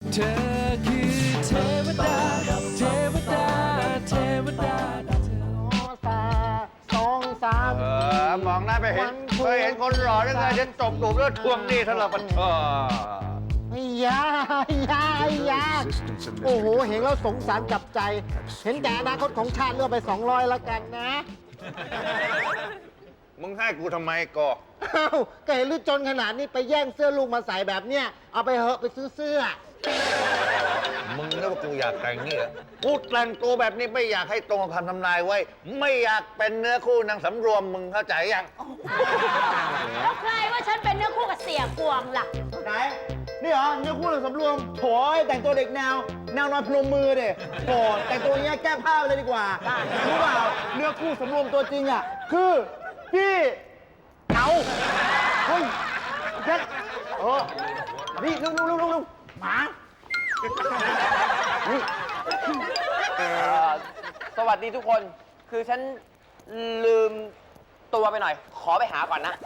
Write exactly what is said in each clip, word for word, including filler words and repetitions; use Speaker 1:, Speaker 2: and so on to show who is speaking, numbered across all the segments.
Speaker 1: เธอคือเทวดาเทวดาเทวดา
Speaker 2: ตาสองสาม
Speaker 3: เออมองหน้าไปเห็นเคยเห็นคนหล่อได้ไงฉันตบตูบแล้วทวงหนี้ทะเลาะกันเออ
Speaker 2: ไอ้ยาไอ้ยาไอ้ยาโอ้โห เห็นแล้วสงสารจับใจ เห็นแต่อนาคตของชาติเลือกไปสองร้อยแล้วกันนะ
Speaker 3: มึงให้กูทำไมก่อ
Speaker 2: เอ้าก็เห็นลือจนขนาดนี้ไปแย่งเสื้อลูกมาใส่แบบเนี้ย เอาไปเหอะไปซื้อเสื้อ
Speaker 3: มึงนึกว่ากูอยากแต่งนี่เหรอกูแต่งตัวแบบนี้ไม่อยากให้ตรงกับคำทำนายไว้ ไม่อยากเป็นเนื้อคู่นางสำรวมมึงเข้าใจยัง
Speaker 4: แล้วใครว่าฉันเป็นเนื้อคู่กับเสียกวงล่ะ
Speaker 2: ไหน นี่เหรอเนื้อคู่หรือสำรวมโถยแต่งตัวเด็กแนว แนวนอนพนมมือเด็โถแต่งตัวอย่างเงี้ยแก้ผ้าไปเลยดีกว่า รู้เปล่าเนื้อคู่สำรวมตัวจริงอ่ะ คือพี่เอาเฮ้ยเพชรเออนี่ลุกลุกลุกลุกลุกหมานี่
Speaker 5: เอ่อสวัสดีทุกคน คือฉันลืมตัวไปหน่อย ขอไปหาก่อนนะ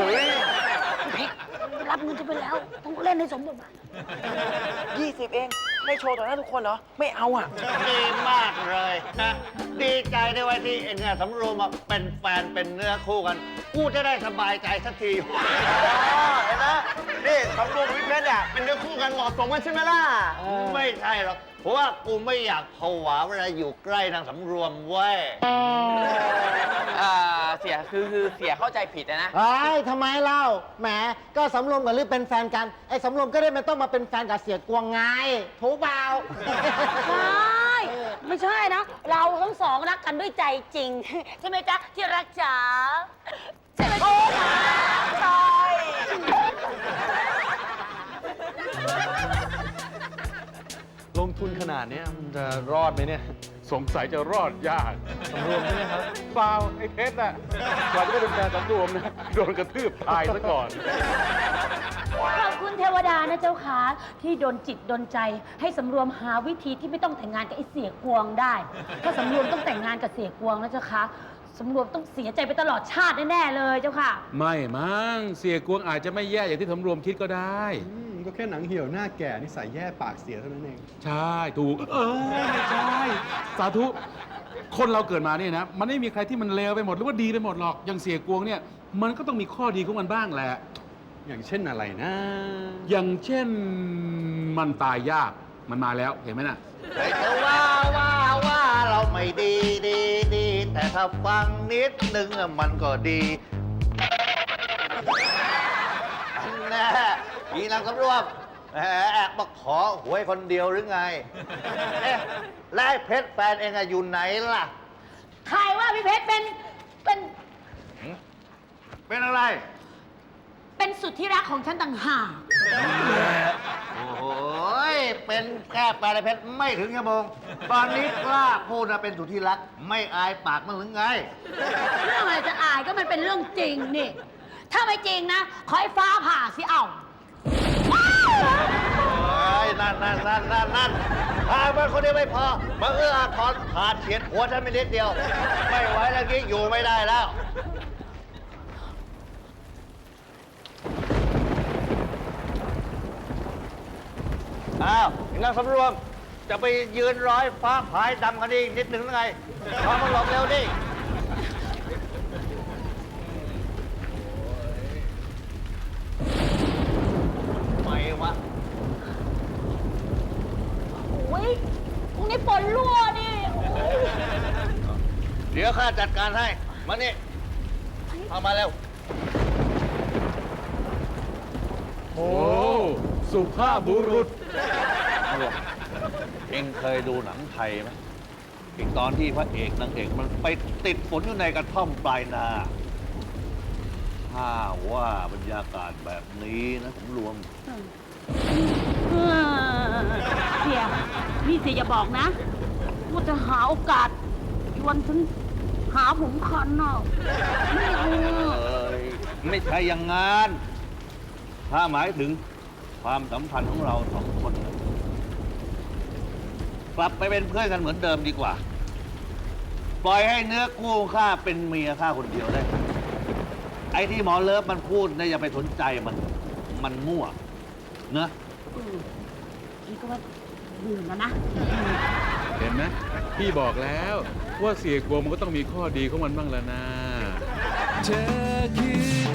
Speaker 4: รับเงินจะไปแล้ว ต้องเล่นให้สมบทบาท
Speaker 5: ยี่สิบเอง ไม่โชว์ต่อหน้าทุกคนเหรอ ไม่เอาอ่ะ
Speaker 3: ดีมากเลยนะดีใจด้วยว่าที่เอ็งอะสำรวมมาเป็นแฟนเป็นเนื้อคู่กัน กูจะได้สบายใจสักทีเห็นไหมนี่สำรวมวิเพชรเนี่ยเป็นเนื้อคู่กันเหมาะสมกันใช่ไหมล่ะ ไม่ใช่หรอก เพราะว่ากูไม่อยากผวาเวลาอยู่ใกล้นางสำรวมเว้ย
Speaker 5: อ่า เสีย คือคือเสียเข้าใจผิดนะนะ
Speaker 2: ไอ้ยทำไมเล่า แหม ก็สำรวมกับลือเป็นแฟนกัน ไอ้สำรวมก็ได้ไม่ต้องมาเป็นแฟนกับเสียกวงไงถูกเปล่า
Speaker 4: ใช่ ไม่ใช่นะ เราทั้งสองรักกันด้วยใจจริง ใช่ไหมจ๊ะ ที่รักจ๋าใช่ไหมจ๊ะใช่
Speaker 6: ลงทุนขนาดนี้มันจะรอดไหมเนี่ย สงสัยจะรอดยากสำรวมใช่ไหมครับเปล่าไอ้เพชรน่ะกว่าจะได้เป็นแฟนสำรวมนะโดนกระทืบตายซะก่อน
Speaker 4: ขอบคุณเทวดานะเจ้าค่ะที่ดลจิตดลใจให้สำรวมหาวิธีที่ไม่ต้องแต่งงานกับไอ้เสียกวงได้ ถ้าสำรวมต้องแต่งงานกับเสียกวงนะเจ้าค่ะสำรวมต้องเสียใจไปตลอดชาติแน่ๆเลยเจ้าค่ะ
Speaker 6: ไม่มั้งเสียกวงอาจจะไม่แย่อย่างที่สำรวมคิดก็ได้
Speaker 7: อืมก็แค่หนังเหี่ยวหน้าแก่นิสัยแย่ปากเสียเท่านั้นเอง
Speaker 6: ใช่ถูกเออไม่ใช่ สาธุ คนเราเกิดมาเนี่ยนะ มันไม่มีใครที่มันเลวไปหมดหรือว่าดีไปหมดหรอกอย่างเสียกวงเนี่ยมันก็ต้องมีข้อดีของมันบ้างแหละ
Speaker 7: อย่างเช่นอะไรนะ
Speaker 6: อย่างเช่นมันตายยากมันมาแล้วเห็นไหมน่ะ
Speaker 3: ใครจะว่าว่าว่าเราไม่ดีดีดีแต่ถ้าฟังนิดนึงอะมันก็ดีแน่ยีนางสำรวมแหมแอบมาขอหวยคนเดียวหรือไง เอ๊ะแล้วไอ้เพชรแฟนเองอะอยู่ไหนล่ะ
Speaker 4: ใครว่าพี่เพชรเป็นเป็น
Speaker 3: เป็นอะไร
Speaker 4: เป็นสุดที่รักของฉันต่างหาก
Speaker 3: โอ้โหเป็นแค่แฟนไอ้เพชรไม่ถึงชั่วโมง ตอนนี้กล้าพูดนะเป็นสุดที่รัก ไม่อายปากมันหรือไง
Speaker 4: เรื่องอะไรจะอายก็มันเป็นเรื่องจริงนี่ ถ้าไม่จริงนะขอให้ฟ้าผ่าสิเอา
Speaker 3: โอ้ยนั่นนั่นนั่นนั่นนั่นพามาคนเดียวไม่พอ มาเอื้ออาทรขาดเฉียดหัวฉันไปนิดเดียว ไม่ไหวแล้วกี้อยู่ไม่ได้แล้ว อ้าวนางสำรวม จะไปยืนร้อยฟ้าผายดำกันอีกนิดหนึ่งหรือไงพามาหลบเร็วดิไม่วะ
Speaker 4: โอ้ยตรงนี้ฝนรั่วนี่โอ้ย
Speaker 3: เดี๋ยวข้าจัดการให้ มานี่เอามาเร็ว
Speaker 6: โอ้สุภาพบุรุษ
Speaker 3: เองเคยดูหนังไทยไหมอีกตอนที่พระเอกนางเอกมันไปติดฝนอยู่ในกระท่อมปลายนา ถ้าว่าบรรยากาศแบบนี้นะผมรวม
Speaker 4: เออเสียนี่เสียอย่าบอกนะว่าจะหาโอกาสชวนฉันหาผมคันน่ะไม่เอา
Speaker 3: เอ้ยไม่ใช่อย่างงาน ถ้าหมายถึงความสัมพันธ์ของเราสองคนนะกลับไปเป็นเพื่อนกันเหมือนเดิมดีกว่า ปล่อยให้เนื้อคู่ข้าเป็นเมียข้าคนเดียวได้ ไอ้ที่หมอเลิฟมันพูดเนี่ยอย่าไปสนใจมัน มันมั่วเนอะ
Speaker 4: จก็ว่าดื่มแล้วนะ
Speaker 6: เห็นไหมพี่บอกแล้วว่าเสียกลัวมันก็ต้องมีข้อดีของมันบ้างแล้วนะ
Speaker 1: เธอคือ